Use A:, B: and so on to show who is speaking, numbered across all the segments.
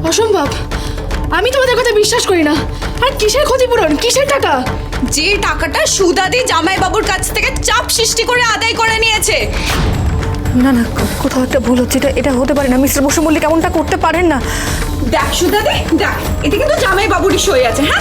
A: অসম্ভব, আমি তোমাদের কথা বিশ্বাস করি না। আর কিসের ক্ষতিপূরণ, কিসের টাকা?
B: যে টাকাটা সুদাদি জামাইবাবুর কাছ থেকে চাপ সৃষ্টি করে আদায় করে নিয়েছে।
A: না না, কোথাও একটা ভুল হচ্ছে। এটা হতে পারে না। মিস্টার বসু মল্লিক এমনটা করতে পারেন না।
B: দেখ সুদাদি, দেখ, এটা কিন্তু জামাইবাবুরই সই আছে। হ্যাঁ,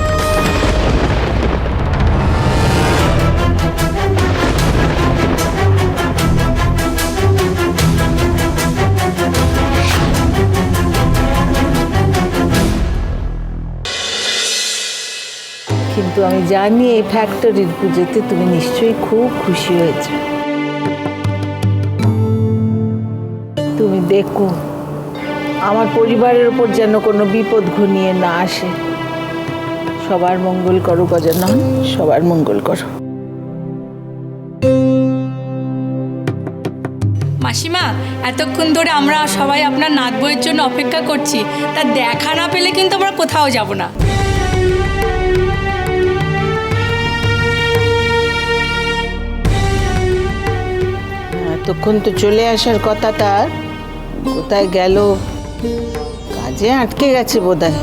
C: কিন্তু আমি জানি এই ফ্যাক্টরির পুজোতে তুমি নিশ্চয়ই খুব খুশি হয়েছ। তুমি দেখো আমার পরিবারের উপর যেন কোনো বিপদ ঘনিয়ে না আসে। সবার মঙ্গল করো গজানন, সবার মঙ্গল করো।
D: মাসিমা, এতক্ষণ ধরে আমরা সবাই আপনার নাত বইয়ের জন্য অপেক্ষা করছি। তা দেখা না পেলে কিন্তু আমরা কোথাও যাব না।
C: এতক্ষণ তো চলে আসার কথা, তার কোথায় গেল? কাজে আটকে গেছে বোধহয়।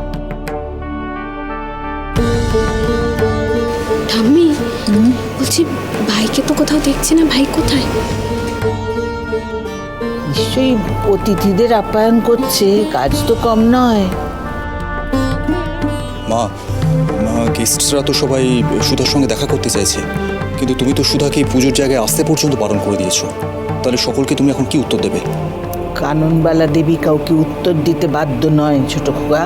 A: ঠাম্মি, বলছি ভাইকে তো কোথাও দেখছি না। ভাই কোথায়?
C: নিশ্চয়ই অতিথিদের আপ্যায়ন করছে, কাজ তো কম নয়।
E: মা, গেস্টরা তো সবাই সুধার সঙ্গে দেখা করতে চাইছে, কিন্তু তুমি তো সুধাকে এই পুজোর জায়গায় আসতে পর্যন্ত বারণ করে দিয়েছো। তাহলে সকলকে তুমি এখন কি উত্তর দেবে?
C: কাননবালা দেবী কাউকে উত্তর দিতে বাধ্য নয় ছোট খোকা।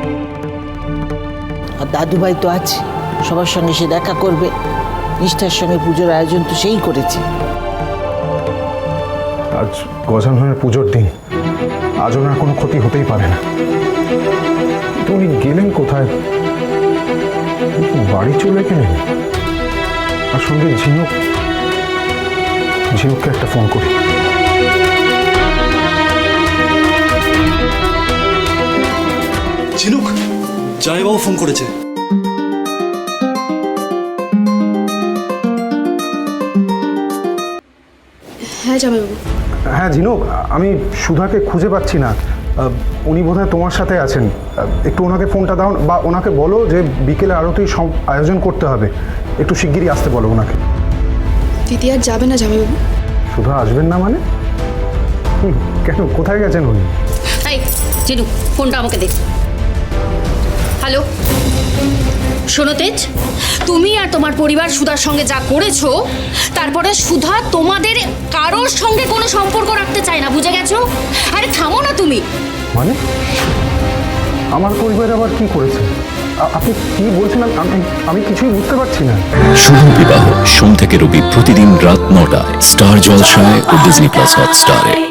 C: আর দাদুভাই তো আছে, সবার সঙ্গে সে দেখা করবে। নিষ্ঠার সঙ্গে পুজোর আয়োজন তো সেই করেছে।
F: আজ গজাননের পুজোর দিন, আজ ওনার কোনো ক্ষতি হতেই পারে না। তো উনি গেলেন কোথায়? বাড়ি চলে গেলেন। আর সঙ্গে ঝিনুককে একটা ফোন করি।
E: ঝিনুক, জামাইবাবু ফোন করেছে।
A: হ্যাঁ জামাইবাবু।
F: হ্যাঁ ঝিনুক, আমি সুধাকে খুঁজে পাচ্ছি না। উনি বোধহয় তোমার সাথে আছেন। একটু ওনাকে ফোনটা দাও, বা ওনাকে বলো যে বিকেলে আরতির সব আয়োজন করতে হবে, একটু শিগগিরই আসতে বলো ওনাকে।
A: দিদি আর যাবে না জামাইবাবু?
F: সুধা আসবেন না মানে? কেন, কোথায় গেছেন উনি?
G: এই জিনু, ফোনটা আমাকে দে। হ্যালো, শোনো তেজ, তুমি আর তোমার পরিবার সুধার সঙ্গে যা করেছো, তারপরে সুধা তোমাদের কারোর সঙ্গে কোনো সম্পর্ক রাখতে চায় না, বুঝে গেছো? আরে থামো না তুমি।
F: মানে আমার পরিবার আবার কি করেছে? আপনি কি বলছেন? আমি কিছুই বুঝতে পারছি না।
H: শুভ বিবাহ সোম থেকে রবি প্রতিদিন রাত ৯টায় স্টার জলসায় ও ডিজনি প্লাস হটস্টারে।